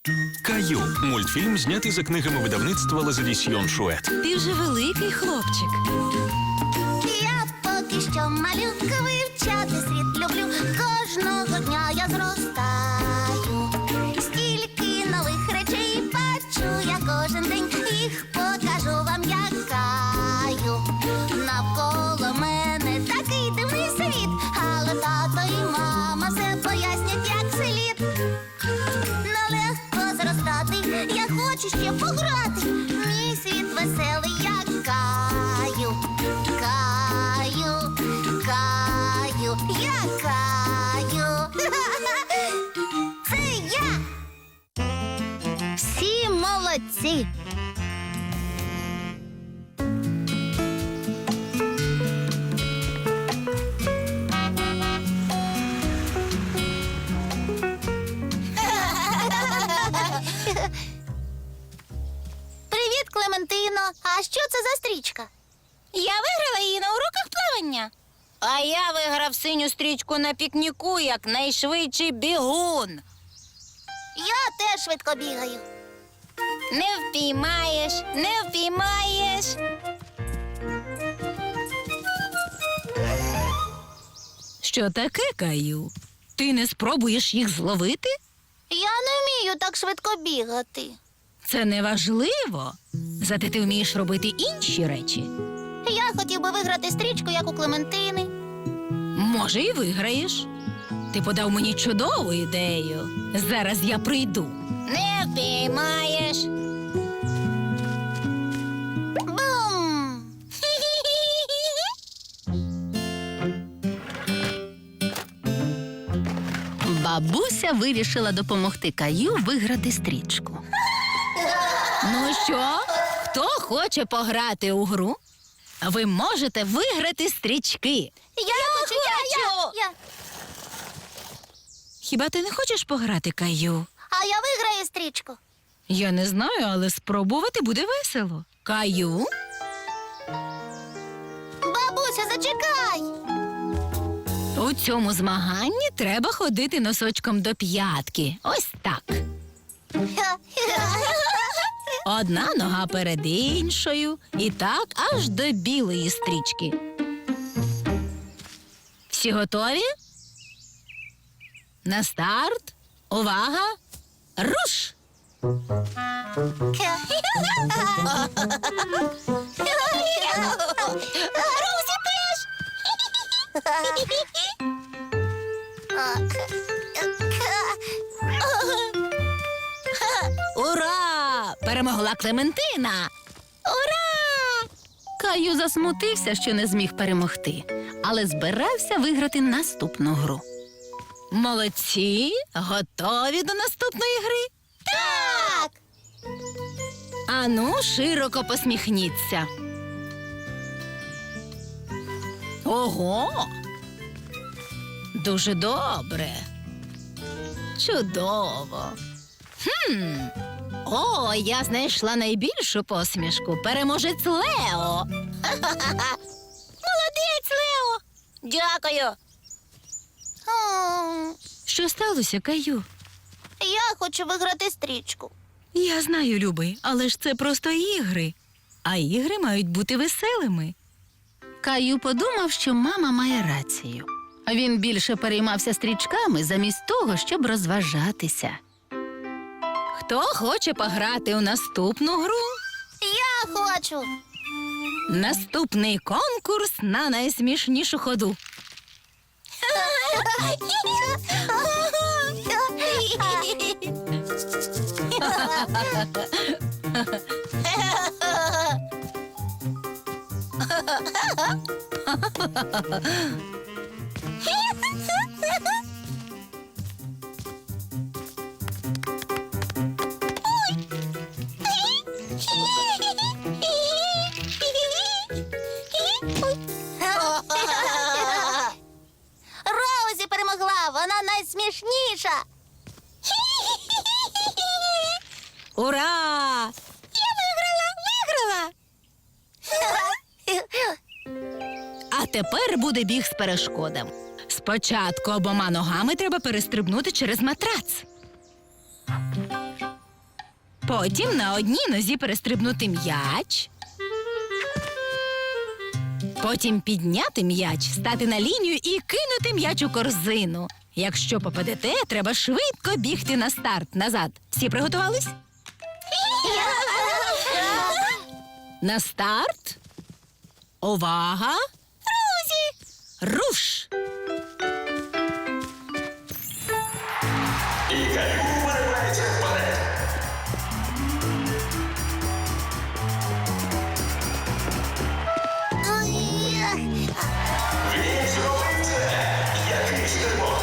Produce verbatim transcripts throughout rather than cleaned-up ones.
Каю – мультфільм, знятий за книгами видавництва Лазадісьйон Шует. Ти вже великий хлопчик. Я поки що малюка, вивчати світ люблю. Кожного дня я зростаю. Стільки нових речей бачу я кожен день. Їх покажу вам, я Каю. Навколо мене такий дивний світ, але тато і мама все пояснять, як слід. Нелегко зростати, я хочу ще пограти. Мій світ веселий, я Каю. Каю, Каю, я Каю. Це я. Всі молодці. Привіт, Клементино. А що це за стрічка? Я виграла її на уроках плавання. А я виграв синю стрічку на пікніку, як найшвидший бігун. Я теж швидко бігаю. Не впіймаєш, не впіймаєш. Що таке, Каю? Ти не спробуєш їх зловити? Я не вмію так швидко бігати. Це не важливо. Зате ти вмієш робити інші речі. Я хотів би виграти стрічку, як у Клементини. Може, і виграєш. Ти подав мені чудову ідею. Зараз я прийду. Не впіймаєш. Бум! Бабуся вирішила допомогти Каю виграти стрічку. Ну що, хто хоче пограти у гру? Ви можете виграти стрічки. Я, хочу, я, я, я. Хіба ти не хочеш пограти, Каю? А я виграю стрічку. Я не знаю, але спробувати буде весело. Каю? Бабуся, зачекай. У цьому змаганні треба ходити носочком до п'ятки. Ось так. Одна нога перед іншою. І так аж до білої стрічки. Всі готові? На старт. Увага! Руш! Русі теж. Ура! Перемогла Клементина! Ура! Каю засмутився, що не зміг перемогти, але збирався виграти наступну гру. Молодці! Готові до наступної гри? Так. Ану, широко посміхніться. Ого! Дуже добре. Чудово. Хм. О, я знайшла найбільшу посмішку. Переможець Лео. Молодець, Лео. Дякую. М, Що сталося, Каю? Я хочу виграти стрічку. Я знаю, любий, але ж це просто ігри. А ігри мають бути веселими. Каю подумав, що мама має рацію. Він більше переймався стрічками замість того, щоб розважатися. Хто хоче пограти у наступну гру? Я хочу. Наступний конкурс на найсмішнішу ходу. Роузі перемогла, вона найсмішніша. Ура! Я виграла, виграла. А тепер буде біг з перешкодами. Спочатку обома ногами треба перестрибнути через матрац. Потім на одній нозі перестрибнути м'яч. Потім підняти м'яч, стати на лінію і кинути м'яч у корзину. Якщо попадете, треба швидко бігти на старт назад. Всі приготувались? На старт. Увага! Розі! Руш! І Каю виривається вперед. Він зробив це. Який стрибок.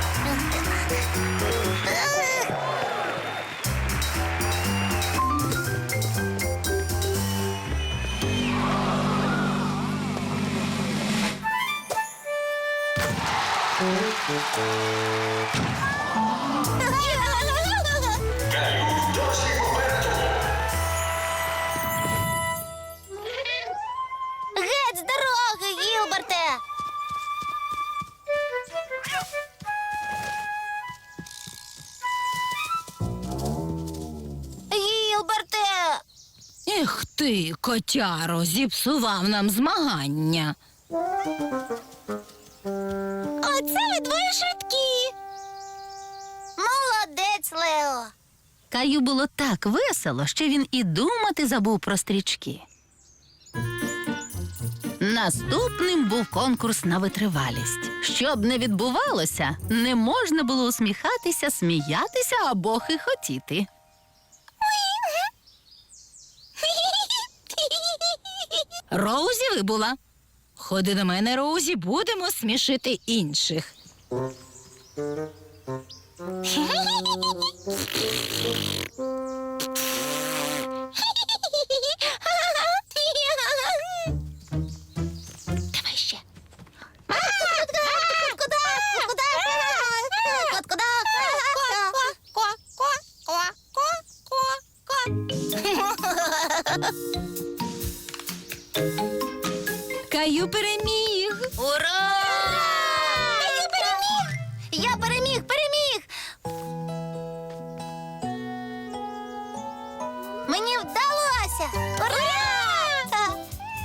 Каю досі попереду. Геть з дороги, Гілберте! Гілберте! Ех ти, котяро, зіпсував нам змагання. Оце ви двоє швидкі! Молодець, Лео! Каю було так весело, що він і думати забув про стрічки. Наступним був конкурс на витривалість. Щоб не відбувалося, не можна було усміхатися, сміятися або хихотіти. Роузі вибула. Ходи до мене, Роузі, будемо смішити інших. Давай ще. Куда? Куда? Куда? Каю переміг. Ура! Я переміг! Я переміг, переміг! Мені вдалося! Ура!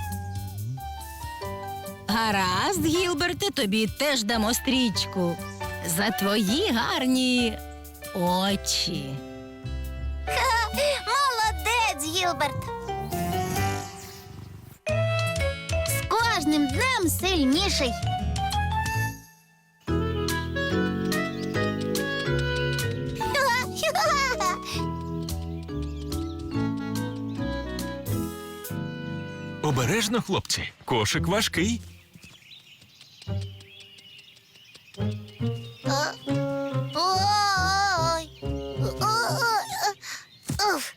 Гаразд, Гілберте, тобі теж дамо стрічку. За твої гарні очі. Молодець, Гілберт! З кожним днем сильніший. Обережно, хлопці. Кошик важкий. Ой. Уф.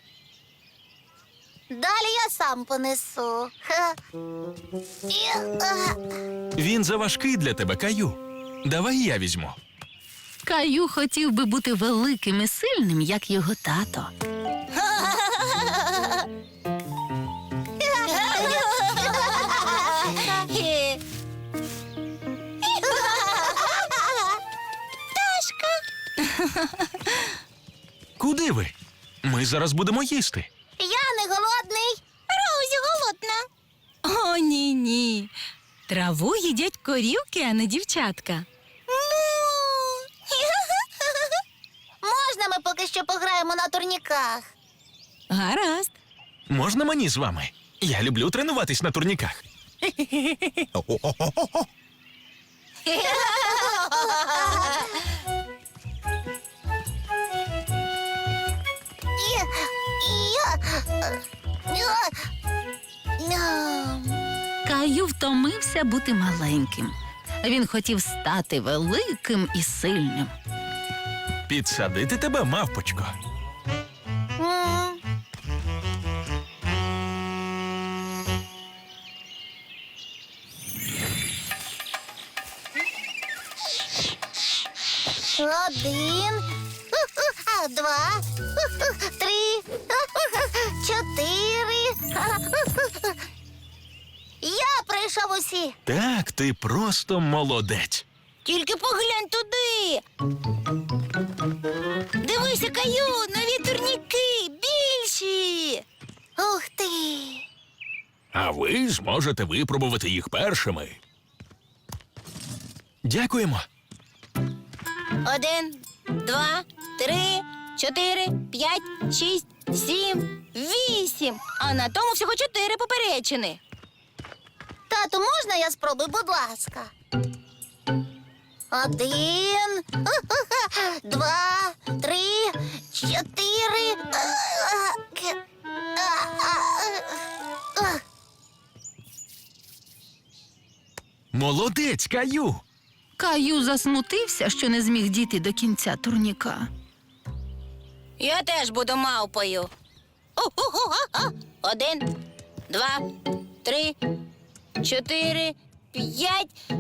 Далі я сам понесу. Ха. І, а. Він заважкий для тебе, Каю. Давай я візьму. Каю хотів би бути великим і сильним, як його тато. Куди ви? Ми зараз будемо їсти. Я не голодний. Роузі голодна. О, ні-ні. Траву їдять корівки, а не дівчатка. Можна ми поки що пограємо на турніках? Гаразд. Можна мені з вами? Я люблю тренуватись на турніках. Каю втомився бути маленьким. Він хотів стати великим і сильним. Підсадити тебе, мавпочко. М. Один, два, три, чотири. Я прийшов усі. Так, ти просто молодець. Тільки поглянь туди. Дивися, Каю, нові турніки, білі. м'ячі. Ух ти! А ви зможете випробувати їх першими. Дякуємо. Один, два, три, чотири, п'ять, шість, сім, вісім. А на тому всього чотири поперечини. Тату, можна я спробую, будь ласка? Один, два, три, чотири. Молодець, Каю. Каю засмутився, що не зміг дійти до кінця турніка. Я теж буду мавпою. У-ху-ху-ха-ха. Один, два, три, чотири, п'ять.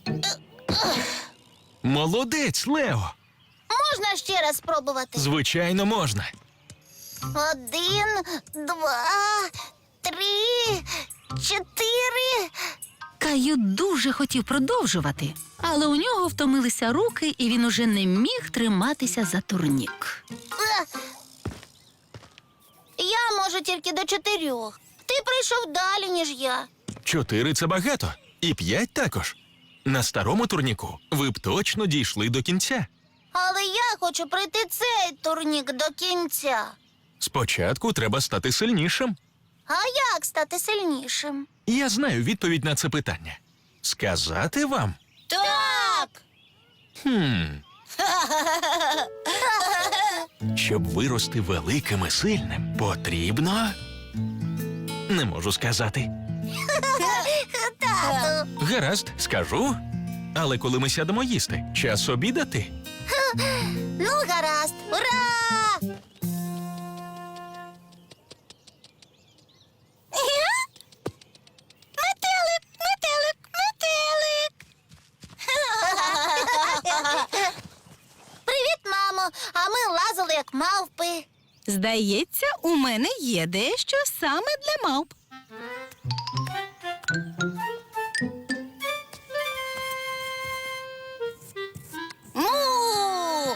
Молодець, Лео. Можна ще раз спробувати? Звичайно, можна. Один, два, три, чотири. Каю дуже хотів продовжувати, але у нього втомилися руки, і він уже не міг триматися за турнік. Я можу тільки до чотирьох. Ти прийшов далі, ніж я. Чотири – це багато. І п'ять також. На старому турніку ви б точно дійшли до кінця. Але я хочу пройти цей турнік до кінця. Спочатку треба стати сильнішим. А як стати сильнішим? Я знаю відповідь на це питання. Сказати вам? Так! Хм. Щоб вирости великим і сильним, потрібно... Не можу сказати. Тату. Гаразд, скажу. Але коли ми сядемо їсти, час обідати. Ну, гаразд. Ура! Метелик, метелик, метелик. Привіт, мамо. А ми лазили, як мавпи. Здається, у мене є дещо саме для мавп. Му!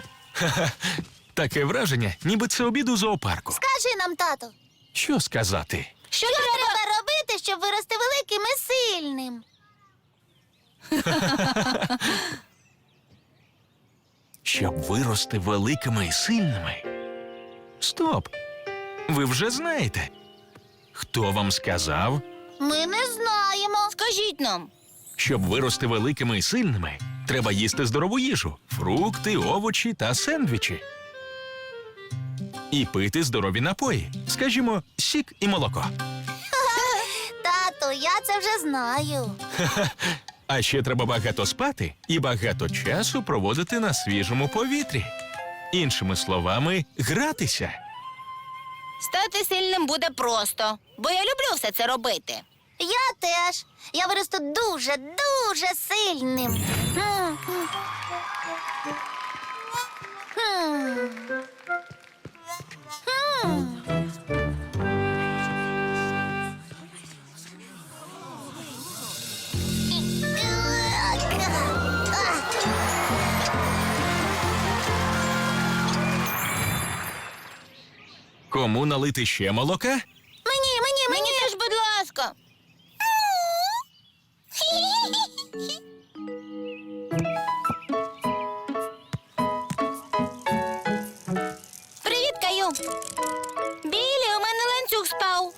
Таке враження, ніби це обід у зоопарку. Скажи нам, тато, Що сказати? що треба робити, щоб вирости великим і сильним? Щоб вирости великими і сильними. Стоп! Ви вже знаєте. Хто вам сказав? Ми не знаємо. Скажіть нам. Щоб вирости великими і сильними, треба їсти здорову їжу, фрукти, овочі та сендвічі. І пити здорові напої, скажімо, сік і молоко. Тату, я це вже знаю. А ще треба багато спати і багато часу проводити на свіжому повітрі. Іншими словами, гратися. Стати сильним буде просто, бо я люблю все це робити. Я теж. Я виросту дуже, дуже сильним. М. Хм. Хм. Кому налити ще молока? Мені, мені, мені. Мені теж, будь ласка. Привіт, Каю. Білі, у мене ланцюг спав.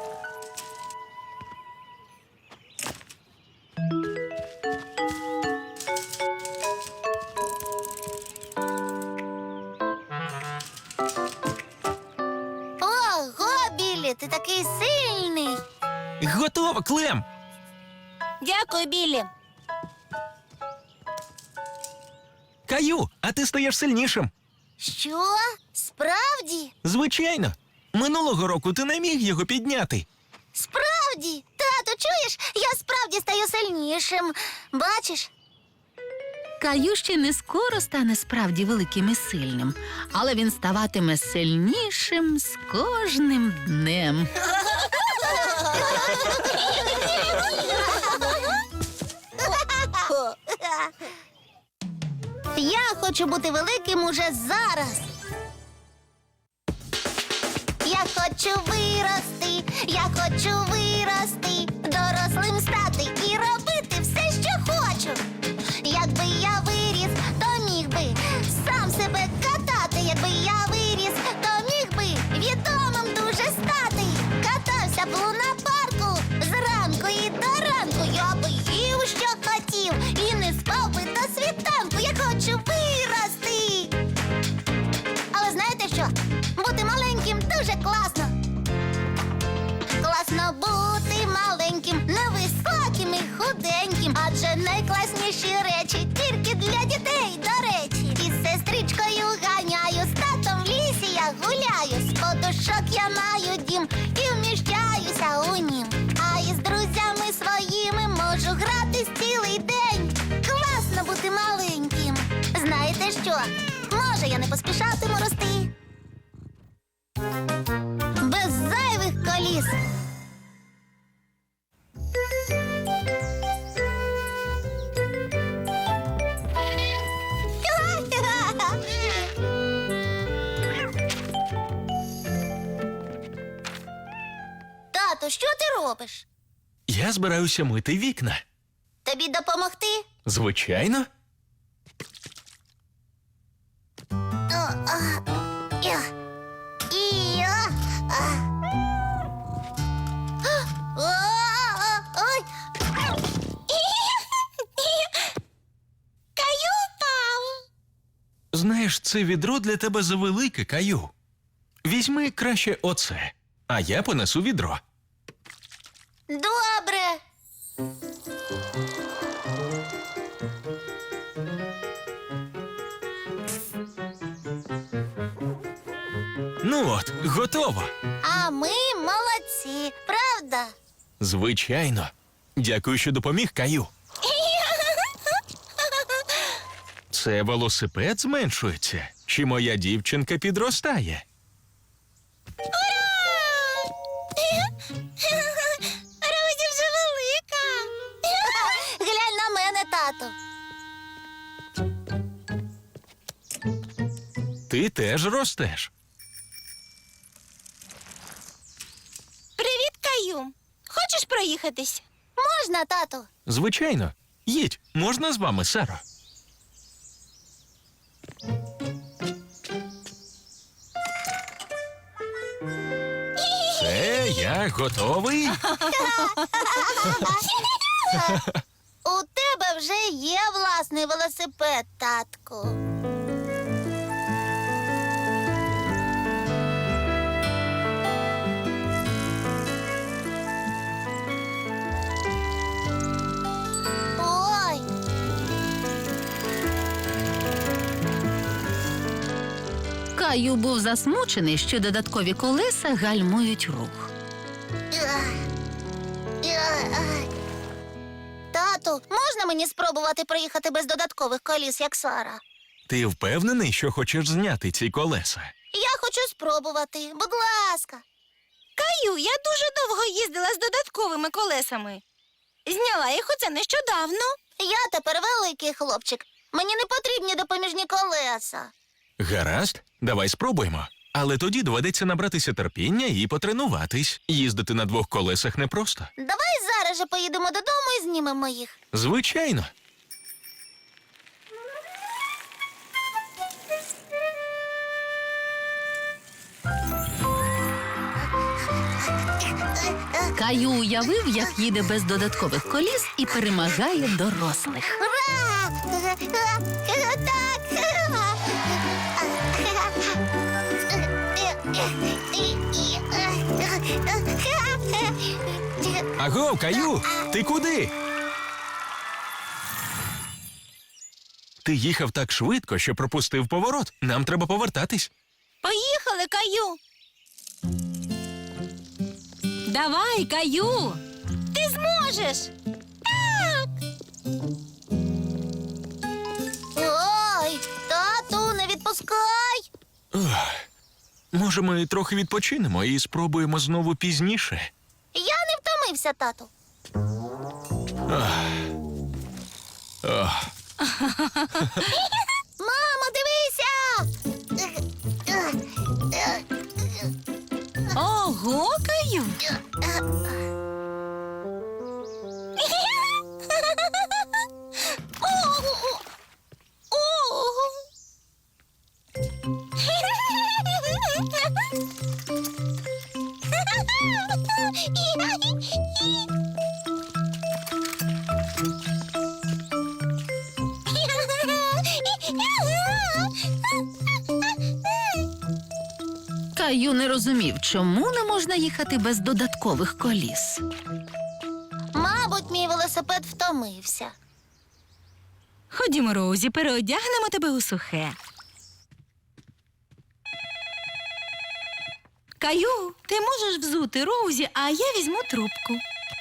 Ого, Біллі, ти такий сильний. Готово, Клем! Дякую, Білі. Каю, а ти стаєш сильнішим. Що? Справді? Звичайно. Минулого року ти не міг його підняти. Справді? Тату, чуєш? Я справді стаю сильнішим. Бачиш? Каю ще не скоро стане справді великим і сильним, але він ставатиме сильнішим з кожним днем. Я хочу бути великим уже зараз. Я хочу вирости, я хочу вирости, дорослим стати і робити все, що хочу. Якби я виріс, то міг би сам себе катати. Якби я виріс, то міг би відомим дуже стати. Катався б у лунапарку зранку і до ранку. Я би їв, що хотів, і не спав би до світанку. Я хочу вирости. Але знаєте що? Бути маленьким дуже класно. Класно бути маленьким, невисоким і худеньким. Адже найкласніші речі тільки для дітей, до речі. Із сестричкою ганяю, з татом в лісі я гуляю. З подушок я маю дім і вміщаюся у нім. А із друзями своїми можу гратись цілий день. Класно бути маленьким. Знаєте що? Може, я не поспішатиму рости. Без зайвих коліс. Тату, що ти робиш? Я збираюся мити вікна. Тобі допомогти? Звичайно. О, а, я. І я. А. О, а, ой. Каю впав. Знаєш, це відро для тебе завелике, Каю. Візьми краще оце, а я понесу відро. Добре. Ну от, готово. А ми молодці, правда? Звичайно. Дякую, що допоміг, Каю. Це велосипед зменшується, чи моя дівчинка підростає? Розі вже велика. Глянь на мене, тату. Ти теж ростеш. Привіт, Каю. Хочеш проїхатись? Можна, тату? Звичайно. Їдь, можна з вами, Саро? Все, я готовий. У тебе вже є власний велосипед, татку. Ой. Каю був засмучений, що додаткові колеса гальмують рух. Ах. Ах. Тату, можна мені спробувати проїхати без додаткових коліс, як Сара? Ти впевнений, що хочеш зняти ці колеса? Я хочу спробувати, будь ласка. Каю, я дуже довго їздила з додатковими колесами. Зняла їх оце нещодавно. Я тепер великий хлопчик. Мені не потрібні допоміжні колеса. Гаразд, давай спробуємо. Але тоді доведеться набратися терпіння і потренуватись. Їздити на двох колесах непросто. Давай зараз же поїдемо додому і знімемо їх. Звичайно. Каю уявив, як їде без додаткових коліс і перемагає дорослих. Ура! Так! Агов, Каю, ти куди? Ти їхав так швидко, що пропустив поворот. Нам треба повертатись. Поїхали, Каю. Давай, Каю. Ти зможеш. Ой, тату, не відпускай. Ох, може, ми трохи відпочинемо і спробуємо знову пізніше. Я не втомився, тату. Ох, Мамо, дивися! Ого, Ого, Каю! Каю не розумів, чому не можна їхати без додаткових коліс. Мабуть, мій велосипед втомився. Ходімо, Роузі, переодягнемо тебе у сухе. Каю, ти можеш взути Роузі, а я візьму трубку.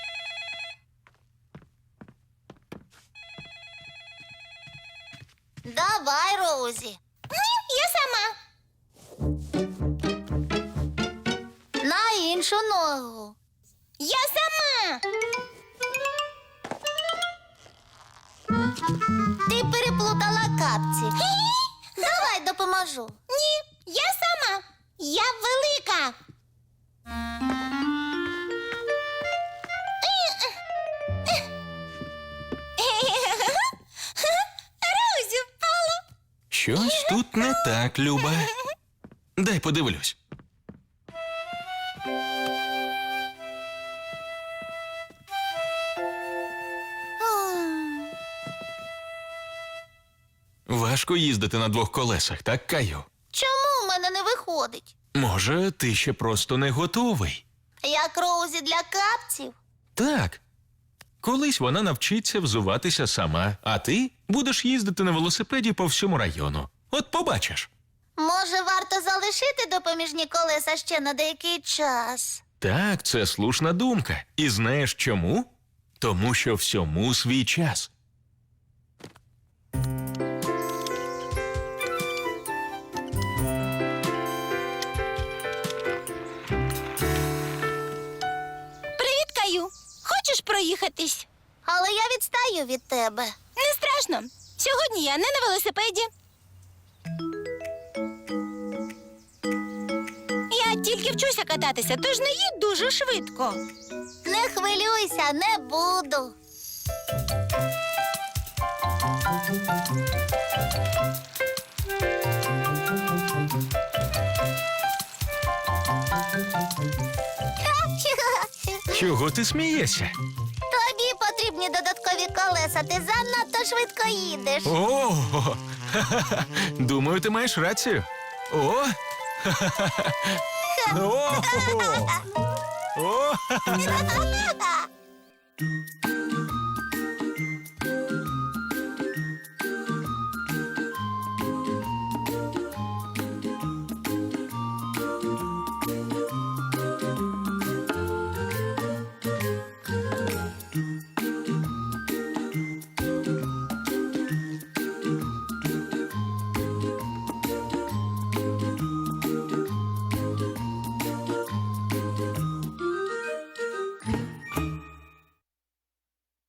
Давай, Роузі. Ні, я сама. На іншу ногу. Я сама. Ти переплутала капці. Давай допоможу. Ні, я сама. Я велика. Розі впала. Щось тут не так, Люба. Дай подивлюсь. Важко їздити на двох колесах, так, Каю? Чому в мене не виходить? Може, ти ще просто не готовий? Як Роузі для капців? Так. Колись вона навчиться взуватися сама, а ти будеш їздити на велосипеді по всьому району. От побачиш. Може, варто залишити допоміжні колеса ще на деякий час? Так, це слушна думка. І знаєш чому? Тому що всьому свій час. Привіт, Каю. Хочеш проїхатись? Але я відстаю від тебе. Не страшно. Сьогодні я не на велосипеді. Я тільки вчуся кататися, тож не їдь дуже швидко. Не хвилюйся, не буду. Чого ти смієшся? Тобі потрібні додаткові колеса, ти занадто швидко їдеш. О, ха-ха-ха. Думаю, ти маєш рацію. О! Ха-ха-ха. О! О! Ха-ха-ха.